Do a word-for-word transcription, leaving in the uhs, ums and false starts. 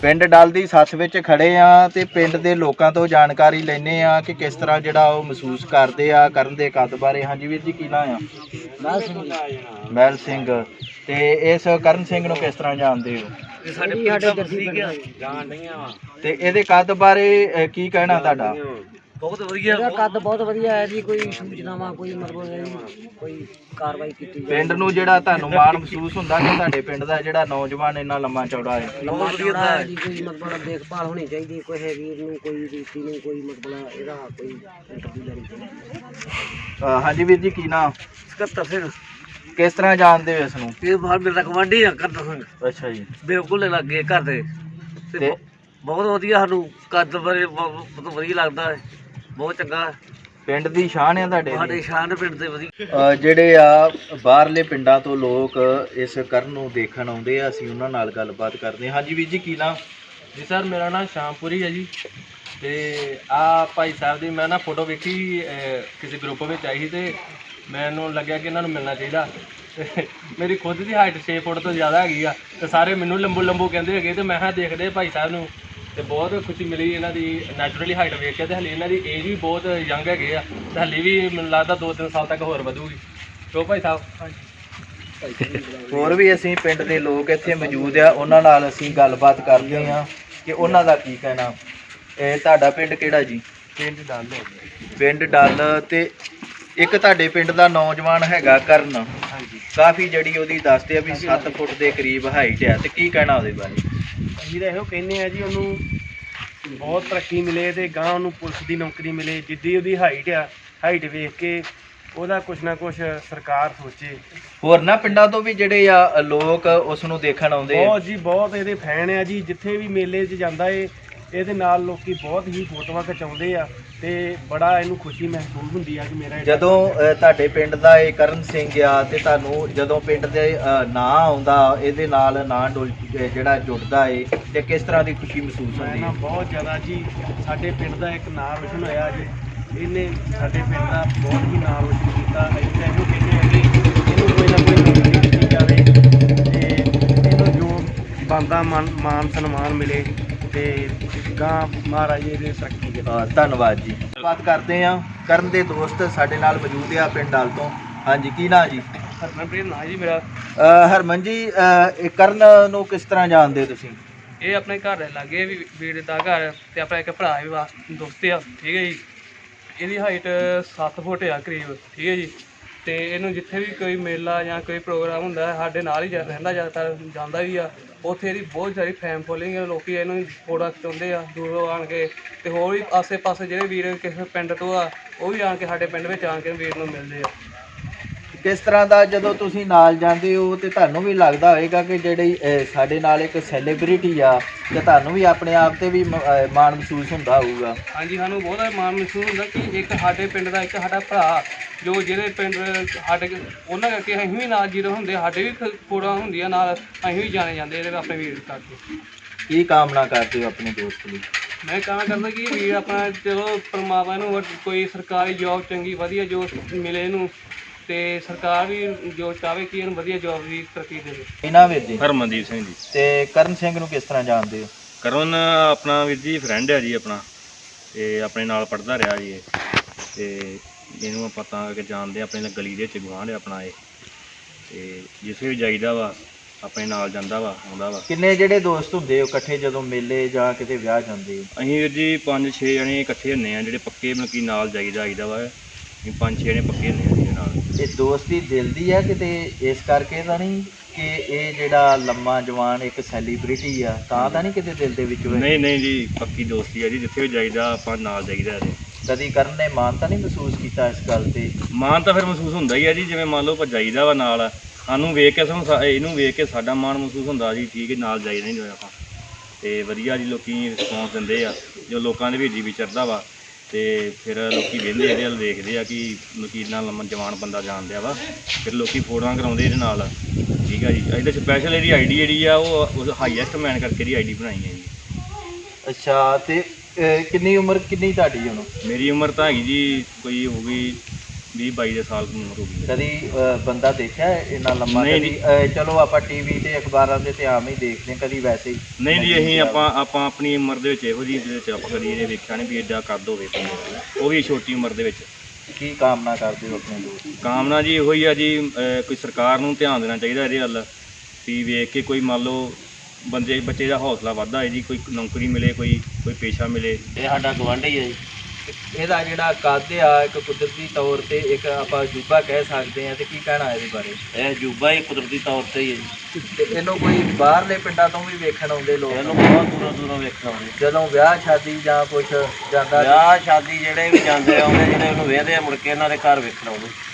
ਪਿੰਡ ਡੱਲ ਦੀ ਸੱਥ ਵਿੱਚ ਖੜੇ ਆ ਤੇ ਪਿੰਡ ਦੇ ਲੋਕਾਂ ਤੋਂ ਜਾਣਕਾਰੀ ਲੈਣੇ ਆ ਕਿ ਕਿਸ ਤਰ੍ਹਾਂ ਜਿਹੜਾ ਉਹ ਮਹਿਸੂਸ ਕਰਦੇ ਆ ਕਰਨ ਦੇ ਕੱਦ ਬਾਰੇ। ਹਾਂਜੀ ਵੀਰ ਜੀ, ਕੀ ਨਾਂ ਆ? ਮਹਿਲ ਸਿੰਘ। ਮਹਿਲ ਸਿੰਘ। ਤੇ ਇਸ ਕਰਨ ਸਿੰਘ ਨੂੰ ਕਿਸ ਤਰ੍ਹਾਂ ਜਾਣਦੇ ਹੋ? ਸਾਡੇ ਜਾਣ ਰਹੀਆਂ ਵਾ ਤੇ ਇਹਦੇ ਕੱਦ ਬਾਰੇ ਕੀ ਕਹਿਣਾ ਤੁਹਾਡਾ? ਬਹੁਤ ਵਧੀਆ, ਇਹਦਾ ਕੱਦ ਬਹੁਤ ਵਧੀਆ ਹੈ ਜੀ। ਕੋਈ ਸੂਚਨਾਵਾਂ ਕੋਈ ਮਤਲਬ ਕੋਈ ਕਾਰਵਾਈ ਕੀਤੀ ਪਿੰਡ ਨੂੰ ਜਿਹੜਾ ਤੁਹਾਨੂੰ ਮਾਣ ਮਹਿਸੂਸ ਹੁੰਦਾ ਕਿ ਤੁਹਾਡੇ ਪਿੰਡ ਦਾ ਜਿਹੜਾ ਨੌਜਵਾਨ ਇੰਨਾ ਲੰਮਾ ਚੌੜਾ ਹੈ? ਲੰਮਾ ਚੌੜਾ ਹੈ ਜੀ। ਕੋਈ ਮਤਲਬ ਦੇਖਭਾਲ ਹੋਣੀ ਚਾਹੀਦੀ, ਕੋਈ ਵੀਰ ਨੂੰ ਕੋਈ ਰੀਤੀ ਨੂੰ ਕੋਈ ਮਤਲਬ ਇਹਦਾ ਕੋਈ ਇੰਟਰਵਿਊ ਲੈਣੀ ਚਾਹੀਦੀ। ਹਾਂਜੀ ਵੀਰ ਜੀ, ਕੀ ਨਾਂ? ਸਕੱਤਰ ਸਿੰਘ। ਕਿਸ ਤਰ੍ਹਾਂ ਜਾਣਦੇ ਹੋ ਇਸ ਨੂੰ? ਇਹ ਬਾਹਰ ਮੇਰਾ ਕਮਾਂਡੀ ਆ ਕਰਦਾ ਸਿੰਘ। ਅੱਛਾ ਜੀ। ਬਿਲਕੁਲ ਲੱਗੇ ਘਰ ਦੇ ਤੇ ਬਹੁਤ ਵਧੀਆ, ਸਾਨੂੰ ਕੱਦ ਬਾਰੇ ਬਹੁਤ ਵਧੀਆ ਲੱਗਦਾ ਹੈ, ਬਹੁਤ ਚੰਗਾ। ਪਿੰਡ ਦੀ ਸ਼ਾਨ ਹੈ ਤੁਹਾਡੇ? ਸਾਡੇ ਸ਼ਾਨ ਪਿੰਡ ਦੇ ਵਧੀਆ। ਜਿਹੜੇ ਆ ਬਾਹਰਲੇ ਪਿੰਡਾਂ ਤੋਂ ਲੋਕ ਇਸ ਕਰਨ ਨੂੰ ਦੇਖਣ ਆਉਂਦੇ ਆ, ਅਸੀਂ ਉਹਨਾਂ ਨਾਲ ਗੱਲਬਾਤ ਕਰਦੇ ਹਾਂ। ਹਾਂਜੀ ਵੀਰ ਜੀ, ਕੀ ਨਾਮ? ਜੀ ਸਰ, ਮੇਰਾ ਨਾਮ ਸ਼ਾਮਪੁਰੀ ਹੈ ਜੀ। ਤੇ ਆ ਭਾਈ ਸਾਹਿਬ ਦੀ ਮੈਂ ਨਾ ਫੋਟੋ ਵੇਖੀ ਕਿਸੇ ਗਰੁੱਪ ਵਿੱਚ ਆਈ ਸੀ ਤੇ ਮੈਨੂੰ ਲੱਗਿਆ ਕਿ ਇਹਨਾਂ ਨੂੰ ਮਿਲਣਾ ਚਾਹੀਦਾ। ਮੇਰੀ ਖੁਦ ਦੀ ਹਾਈਟ ਛੇ ਫੁੱਟ ਤੋਂ ਜ਼ਿਆਦਾ ਹੈਗੀ ਆ ਤੇ ਸਾਰੇ ਮੈਨੂੰ ਲੰਬੂ ਲੰਬੂ ਕਹਿੰਦੇ ਹੈਗੇ ਤੇ ਮੈਂ ਕਿਹਾ ਦੇਖਦੇ ਭਾਈ ਸਾਹਿਬ ਨੂੰ ਤੇ ਬਹੁਤ ਖੁਸ਼ੀ ਮਿਲੀ ਇਹਨਾਂ ਦੀ ਨੈਚੁਰਲੀ ਹਾਈਟ ਵੇਖ ਕੇ। ਤੇ ਹਲੇ ਇਹਨਾਂ ਦੀ ਏਜ ਵੀ ਬਹੁਤ ਯੰਗ ਹੈਗੇ ਆ ਤੇ ਹਲੇ ਵੀ ਮੈਨੂੰ ਲੱਗਦਾ ਦੋ ਤਿੰਨ ਸਾਲ ਤੱਕ ਹੋਰ ਵਧੂਗੀ। ਕਿਉਂ ਭਾਈ ਸਾਹਿਬ? ਹੋਰ ਵੀ ਅਸੀਂ ਪਿੰਡ ਦੇ ਲੋਕ ਇੱਥੇ ਮੌਜੂਦ ਆ, ਉਹਨਾਂ ਨਾਲ ਅਸੀਂ ਗੱਲਬਾਤ ਕਰਦੇ ਹਾਂ ਕਿ ਉਹਨਾਂ ਦਾ ਕੀ ਕਹਿਣਾ। ਇਹ ਤੁਹਾਡਾ ਪਿੰਡ ਕਿਹੜਾ ਜੀ? ਪਿੰਡ ਡੱਲ। ਪਿੰਡ ਡੱਲ। ਤੇ ਇੱਕ ਤੁਹਾਡੇ ਪਿੰਡ ਦਾ ਨੌਜਵਾਨ ਹੈਗਾ ਕਰਨ। ਹਾਂਜੀ। ਕਾਫੀ ਜਿਹੜੀ ਉਹਦੀ ਦੱਸਦੇ ਆ ਵੀ ਸੱਤ ਫੁੱਟ ਦੇ ਕਰੀਬ ਹਾਈਟ ਆ, ਤੇ ਕੀ ਕਹਿਣਾ ਉਹਦੇ ਬਾਰੇ? ਅਸੀਂ ਤਾਂ ਇਹੋ ਕਹਿੰਦੇ ਆ ਜੀ, ਉਹਨੂੰ ਬਹੁਤ ਤਰੱਕੀ ਮਿਲੇ ਤੇ ਗਾਂ ਉਹਨੂੰ ਪੁਲਿਸ ਦੀ ਨੌਕਰੀ ਮਿਲੇ। ਜਿੱਦੀ ਉਹਦੀ ਹਾਈਟ ਆ, ਹਾਈਟ ਵੇਖ ਕੇ ਉਹਦਾ ਕੁਛ ਨਾ ਕੁਛ ਸਰਕਾਰ ਸੋਚੇ। ਹੋਰ ਨਾ ਪਿੰਡਾਂ ਤੋਂ ਵੀ ਜਿਹੜੇ ਆ ਲੋਕ ਉਸ ਨੂੰ ਦੇਖਣ ਆਉਂਦੇ ਆ? ਬਹੁਤ ਜੀ, ਬਹੁਤ ਇਹਦੇ ਫੈਨ ਆ ਜੀ। ਜਿੱਥੇ ਵੀ ਮੇਲੇ 'ਚ ਜਾਂਦਾ ਏ ਇਹਦੇ ਨਾਲ ਲੋਕੀ ਬਹੁਤ ਹੀ ਫੋਟੋਆਂ ਖਿਚਾਉਂਦੇ ਆ ਤੇ ਬੜਾ ਇਹਨੂੰ ਖੁਸ਼ੀ ਮਹਿਸੂਸ ਹੁੰਦੀ ਆ ਕਿ ਮੇਰਾ ਜਦੋਂ ਤੁਹਾਡੇ ਪਿੰਡ ਦਾ ਇਹ ਕਰਨ ਸਿੰਘ ਆ ਤੇ ਤੁਹਾਨੂੰ ਜਦੋਂ ਪਿੰਡ ਦੇ ਨਾਂ ਆਉਂਦਾ ਇਹਦੇ ਨਾਲ ਨਾਂ ਡੁੱਲ ਜਿਹੜਾ ਜੁੜਦਾ ਏ ਤੇ ਕਿਸ ਤਰ੍ਹਾਂ ਦੀ ਖੁਸ਼ੀ ਮਹਿਸੂਸ ਹੁੰਦੀ ਹੈ? ਬਹੁਤ ਜ਼ਿਆਦਾ ਜੀ। ਸਾਡੇ ਪਿੰਡ ਦਾ ਇੱਕ ਨਾਂ ਰੋਸ਼ਨ ਹੋਇਆ ਜੀ। ਇਹਨੇ ਸਾਡੇ ਪਿੰਡ ਦਾ ਬਹੁਤ ਹੀ ਨਾਂ ਰੋਸ਼ਨ ਕੀਤਾ। ਅਸੀਂ ਤਾਂ ਇਹਨੂੰ ਕਹਿੰਦੇ ਹਾਂ ਕਿ ਇਹਨੂੰ ਕੋਈ ਨਾ ਕੋਈ ਨੌਕਰੀ ਦਿੱਤੀ ਜਾਵੇ ਤੇ ਇਹਨੂੰ ਜੋ ਬਣਦਾ ਮਾਨ ਮਾਨ ਸਨਮਾਨ ਮਿਲੇ ਤੇ ਗਾਂ ਮਹਾਰਾਜ ਇਹਦੇ ਤਰੱਕੀ ਦੇ। ਧੰਨਵਾਦ ਜੀ। ਬਾਤ ਕਰਦੇ ਆ ਕਰਨ ਦੇ ਦੋਸਤ ਸਾਡੇ ਨਾਲ ਮੌਜੂਦ ਆ ਪਿੰਡ ਡੱਲ ਤੋਂ। ਹਾਂਜੀ, ਕੀ ਨਾਂ ਜੀ? ਹਰਮਨਪ੍ਰੀਤ ਨਾਂ ਜੀ ਮੇਰਾ। ਹਰਮਨ ਜੀ, ਇਹ ਕਰਨ ਨੂੰ ਕਿਸ ਤਰ੍ਹਾਂ ਜਾਣਦੇ ਹੋ ਤੁਸੀਂ? ਇਹ ਆਪਣੇ ਘਰ ਦੇ ਲਾਗੇ ਵੀ ਵੀਰ ਦਾ ਘਰ ਤੇ ਆਪਣਾ ਇੱਕ ਭਰਾ ਵੀ ਵਾ ਦੋਸਤ ਆ, ਠੀਕ ਹੈ ਜੀ। ਇਹਦੀ ਹਾਈਟ ਸੱਤ ਫੁੱਟ ਆ ਕਰੀਬ, ਠੀਕ ਹੈ ਜੀ। ਤੇ ਇਹਨੂੰ ਜਿੱਥੇ ਵੀ ਕੋਈ ਮੇਲਾ ਜਾਂ ਕੋਈ ਪ੍ਰੋਗਰਾਮ ਹੁੰਦਾ ਸਾਡੇ ਨਾਲ ਹੀ ਰਹਿੰਦਾ, ਜ਼ਿਆਦਾਤਰ ਜਾਂਦਾ ਵੀ ਆ। ਉੱਥੇ ਇਹਦੀ ਬਹੁਤ ਸਾਰੀ ਫੈਨ ਫੋਲੋਇੰਗ ਹੈ, ਲੋਕੀ ਇਹਨੂੰ ਫੋਟੋ ਖਿਚਾਉਂਦੇ ਆ ਦੂਰੋਂ ਆਣ ਕੇ। ਤੇ ਹੋਰ ਵੀ ਆਸੇ ਪਾਸੇ ਜਿਹੜੇ ਵੀਰ ਕਿਸੇ ਪਿੰਡ ਤੋਂ ਆ ਉਹ ਵੀ ਆਣ ਕੇ ਸਾਡੇ ਪਿੰਡ ਵਿੱਚ ਆਣ ਕੇ ਵੀਰ ਨੂੰ ਮਿਲਦੇ ਆ। ਕਿਸ ਤਰ੍ਹਾਂ ਦਾ ਜਦੋਂ ਤੁਸੀਂ ਨਾਲ ਜਾਂਦੇ ਹੋ ਤੇ ਤੁਹਾਨੂੰ ਵੀ ਲੱਗਦਾ ਹੋਏਗਾ ਕਿ ਜਿਹੜੀ ਸਾਡੇ ਨਾਲ ਇੱਕ ਸੈਲੀਬ੍ਰਿਟੀ ਆ ਤੇ ਤੁਹਾਨੂੰ ਵੀ ਆਪਣੇ ਆਪ ਤੇ ਵੀ ਮਾਣ ਮਹਿਸੂਸ ਹੁੰਦਾ ਹੋਊਗਾ? ਹਾਂਜੀ, ਸਾਨੂੰ ਬਹੁਤ ਮਾਣ ਮਹਿਸੂਸ ਹੁੰਦਾ ਕਿ ਇੱਕ ਸਾਡੇ ਪਿੰਡ ਦਾ ਇੱਕ ਸਾਡਾ ਭਰਾ ਜੋ ਜਿਹੜੇ ਪਿੰਡ ਸਾਡੇ ਉਹਨਾਂ ਕਰਕੇ ਅਸੀਂ ਵੀ ਨਾਲ ਜੀਰੋ ਹੁੰਦੇ, ਸਾਡੇ ਵੀ ਫੋਟੋਆਂ ਹੁੰਦੀਆਂ ਨਾਲ, ਅਸੀਂ ਵੀ ਜਾਣੇ ਜਾਂਦੇ ਇਹਦੇ ਆਪਣੇ ਵੀਰ ਕਰਕੇ। ਕੀ ਕਾਮਨਾ ਕਰਦੇ ਹੋ ਆਪਣੇ ਦੋਸਤ ਲਈ? ਮੈਂ ਕਾਮਨਾ ਕਰਦਾ ਕਿ ਵੀਰ ਆਪਣਾ ਚਲੋ ਪਰਮਾਤਮਾ ਨੂੰ ਕੋਈ ਸਰਕਾਰੀ ਜੋਬ ਚੰਗੀ ਵਧੀਆ ਜੋ ਮਿਲੇ ਇਹਨੂੰ ਤੇ ਸਰਕਾਰ ਵੀ ਜੋ ਚਾਹਵੇ ਕਿ ਇਹਨੂੰ ਵਧੀਆ ਜੋਬ ਦੀ ਤਰੱਕੀ ਦੇਵੇ। ਇਹਨਾਂ ਵੀਰ ਜੀ? ਹਰਮਨਦੀਪ ਸਿੰਘ ਜੀ। ਤੇ ਕਰਨ ਸਿੰਘ ਨੂੰ ਕਿਸ ਤਰ੍ਹਾਂ ਜਾਣਦੇ ਹੋ? ਕਰਨ ਆਪਣਾ ਵੀਰ ਜੀ ਫਰੈਂਡ ਹੈ ਜੀ ਆਪਣਾ, ਤੇ ਆਪਣੇ ਨਾਲ ਪੜ੍ਹਦਾ ਰਿਹਾ ਜੀ ਇਹ, ਤੇ ਇਹਨੂੰ ਆਪਾਂ ਤਾਂ ਕਿ ਜਾਣਦੇ ਆਪਣੇ ਨਾਲ ਗਲੀ ਦੇ ਵਿੱਚ ਗੁਆਂਢ ਆਪਣਾ ਇਹ, ਤੇ ਜਿੱਥੇ ਵੀ ਜਾਈਦਾ ਵਾ ਆਪਣੇ ਨਾਲ ਜਾਂਦਾ ਵਾ ਆਉਂਦਾ ਵਾ। ਕਿੰਨੇ ਜਿਹੜੇ ਦੋਸਤ ਹੁੰਦੇ ਹੋ ਇਕੱਠੇ ਜਦੋਂ ਮੇਲੇ ਜਾਂ ਕਿਤੇ ਵਿਆਹ ਜਾਂਦੇ ਹੋ? ਅਸੀਂ ਵੀਰ ਜੀ ਪੰਜ ਛੇ ਜਣੇ ਇਕੱਠੇ ਹੁੰਦੇ ਆ ਜਿਹੜੇ ਪੱਕੇ ਮਤਲਬ ਕਿ ਨਾਲ ਜਾਈਦਾ ਆਈਦਾ ਵਾ। ਅਸੀਂ ਪੰਜ ਛੇ ਜਣੇ ਪੱਕੇ ਹੁੰਦੇ ਆ ਜਿਹਦੇ ਨਾਲ। ਇਹ ਦੋਸਤੀ ਦਿਲ ਦੀ ਆ ਕਿਤੇ ਇਸ ਕਰਕੇ ਤਾਂ ਨਹੀਂ ਕਿ ਇਹ ਜਿਹੜਾ ਲੰਮਾ ਜਵਾਨ ਇੱਕ ਸੈਲੀਬ੍ਰਿਟੀ ਆ ਤਾਂ ਤਾਂ ਨਹੀਂ ਕਿਤੇ ਦਿਲ ਦੇ ਵਿੱਚ ਹੋਏ? ਨਹੀਂ ਨਹੀਂ ਜੀ, ਪੱਕੀ ਦੋਸਤੀ ਆ ਜੀ। ਜਿੱਥੇ ਵੀ ਜਾਈਦਾ ਆਪਾਂ ਨਾਲ ਜਾਈਦਾ ਇਹਦੇ। ਕਦੀ ਕਰਨ ਨੇ ਮਾਣ ਤਾਂ ਨਹੀਂ ਮਹਿਸੂਸ ਕੀਤਾ ਇਸ ਗੱਲ ਤੇ? ਮਾਣ ਤਾਂ ਫਿਰ ਮਹਿਸੂਸ ਹੁੰਦਾ ਹੀ ਆ ਜੀ। ਜਿਵੇਂ ਮੰਨ ਲਓ ਆਪਾਂ ਜਾਈਦਾ ਵਾ ਨਾਲ, ਸਾਨੂੰ ਵੇਖ ਕੇ ਸਾਨੂੰ ਇਹਨੂੰ ਵੇਖ ਕੇ ਸਾਡਾ ਮਾਣ ਮਹਿਸੂਸ ਹੁੰਦਾ ਜੀ। ਠੀਕ ਹੈ, ਨਾਲ ਜਾਈਦਾ ਨਹੀਂ ਹੋਇਆ ਆਪਾਂ ਤੇ ਵਧੀਆ ਜੀ। ਲੋਕੀ ਰਿਸਪੌਂਸ ਦਿੰਦੇ ਆ ਜੋ ਲੋਕਾਂ ਦੇ ਵਿੱਚ ਵੀ ਚੜ੍ਹਦਾ ਵਾ ਤੇ ਫਿਰ ਲੋਕੀ ਵੇਖਦੇ ਇਹਦੇ ਵੱਲ ਦੇਖਦੇ ਆ ਕਿ ਲੋਕੀ ਨਾਲ ਲੰਮਾ ਜਵਾਨ ਬੰਦਾ ਜਾਣਦਿਆ ਵਾ, ਫਿਰ ਲੋਕੀ ਫੋਟੋਆਂ ਕਰਾਉਂਦੇ ਇਹਦੇ ਨਾਲ। ਠੀਕ ਆ ਜੀ। ਇਹਦੇ ਸਪੈਸ਼ਲ ਇਹਦੀ ਆਈ ਡੀ ਜਿਹੜੀ ਆ ਉਹ ਹਾਈਐਸਟ ਮੈਨ ਕਰਕੇ ਇਹਦੀ ਆਈ ਡੀ ਬਣਾਈ ਹੈ ਜੀ। ਅੱਛਾ, ਤੇ ਕਿੰਨੀ ਉਮਰ ਕਿੰਨੀ ਤੁਹਾਡੀ ਹੁਣ? ਮੇਰੀ ਉਮਰ ਤਾਂ ਹੈਗੀ ਜੀ ਕੋਈ ਹੋ ਗਈ ਵੀਹ ਬਾਈ ਦੇ ਸਾਲ ਦੀ ਉਮਰ ਹੋ ਗਈ। ਕਦੀ ਅ, ਬੰਦਾ ਦੇਖਿਆ ਹੈ ਇੰਨਾ ਲੰਮਾ? ਨਹੀਂ, ਕਦੀ ਅ, ਚਲੋ ਆਪਾਂ ਟੀਵੀ ਤੇ ਅਖਬਾਰਾਂ ਦੇ ਤੇ ਆਮ ਹੀ ਦੇਖਦੇ ਹਾਂ, ਕਦੀ ਵੈਸੇ ਹੀ ਨਹੀਂ ਜੀ, ਅਸੀਂ ਆਪਾਂ ਆਪਾਂ ਆਪਣੀ ਉਮਰ ਦੇ ਵਿੱਚ ਇਹੋ ਜਿਹੀ ਦੇ ਵਿੱਚ ਆਪਾਂ ਕਦੀ ਇਹਨੇ ਵੇਖਿਆ ਨਹੀਂ ਵੀ ਐਡਾ ਕੱਦ ਹੋਵੇ ਬੰਦੇ, ਉਹ ਵੀ ਛੋਟੀ ਉਮਰ ਦੇ ਵਿੱਚ। ਕੀ ਕਾਮਨਾ ਕਰਦੇ ਹੋ ਆਪਣੇ ਦੋਸਤ? ਕਾਮਨਾ ਜੀ ਇਹੋ ਹੀ ਆ ਜੀ, ਅਹ ਕੋਈ ਸਰਕਾਰ ਨੂੰ ਧਿਆਨ ਦੇਣਾ ਚਾਹੀਦਾ ਇਹਦੇ ਵੱਲ ਵੀ ਵੇਖ ਕੇ ਕੋਈ ਮੰਨ ਲਓ ਬੰਦੇ ਬੱਚੇ ਦਾ ਹੌਸਲਾ ਵੱਧਦਾ ਹੈ ਜੀ, ਕੋਈ ਨੌਕਰੀ ਮਿਲੇ, ਕੋਈ ਕੋਈ ਪੇਸ਼ਾ ਮਿਲੇ। ਇਹ ਸਾਡਾ ਗਵਾਂਢੀ ਹੈ ਜੀ। ਇਹਦਾ ਜਿਹੜਾ ਕੱਦ ਆ ਇੱਕ ਕੁਦਰਤੀ ਤੌਰ ਤੇ ਇੱਕ ਆਪਾਂ ਅਜੂਬਾ ਕਹਿ ਸਕਦੇ ਹਾਂ, ਤੇ ਕੀ ਕਹਿਣਾ ਇਹਦੇ ਬਾਰੇ? ਇਹ ਅਜੂਬਾ ਹੀ ਕੁਦਰਤੀ ਤੌਰ ਤੇ ਹੀ ਹੈ ਜੀ। ਤੇ ਇਹਨੂੰ ਕੋਈ ਬਾਹਰਲੇ ਪਿੰਡਾਂ ਤੋਂ ਵੀ ਵੇਖਣ ਆਉਂਦੇ ਲੋਕ? ਇਹਨੂੰ ਬਹੁਤ ਦੂਰੋਂ ਦੂਰੋਂ ਵੇਖਣ ਆਉਂਦੇ। ਜਦੋਂ ਵਿਆਹ ਸ਼ਾਦੀ ਜਾਂ ਕੁਛ ਜਾਂਦਾ ਵਿਆਹ ਸ਼ਾਦੀ ਜਿਹੜੇ ਵੀ ਜਾਂਦੇ ਆਉਂਦੇ ਜਿਹੜੇ ਉਹਨੂੰ ਵੇਖਦੇ ਆ ਮੁੜ ਕੇ ਇਹਨਾਂ ਦੇ ਘਰ ਵੇਖਣ ਆਉਂਦੇ।